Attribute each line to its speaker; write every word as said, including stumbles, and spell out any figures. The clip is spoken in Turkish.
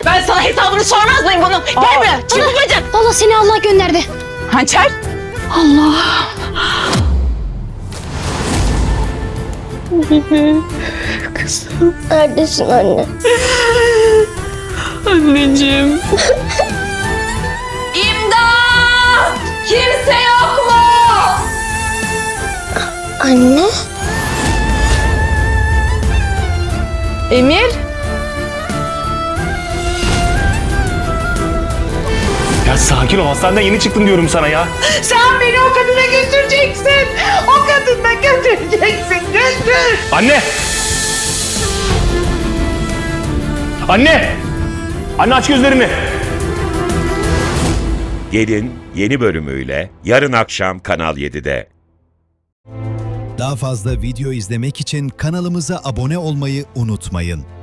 Speaker 1: Ben sana hesabını sormaz mıyım bunun? Gel buraya. Çabuk bacım.
Speaker 2: Valla seni Allah gönderdi.
Speaker 1: Hançer. Allah. Kızım.
Speaker 2: Neredesin anne?
Speaker 1: Anneciğim. İmdat! Kimse yok mu?
Speaker 2: Anne?
Speaker 1: Emir.
Speaker 3: Ya sakin ol, hastaneden yeni çıktım diyorum sana ya.
Speaker 1: Sen beni o kadına götüreceksin. O kadına götüreceksin. Götür.
Speaker 3: Anne! Anne! Anne aç gözlerini.
Speaker 4: Gelin yeni bölümüyle yarın akşam Kanal yedide.
Speaker 5: Daha fazla video izlemek için kanalımıza abone olmayı unutmayın.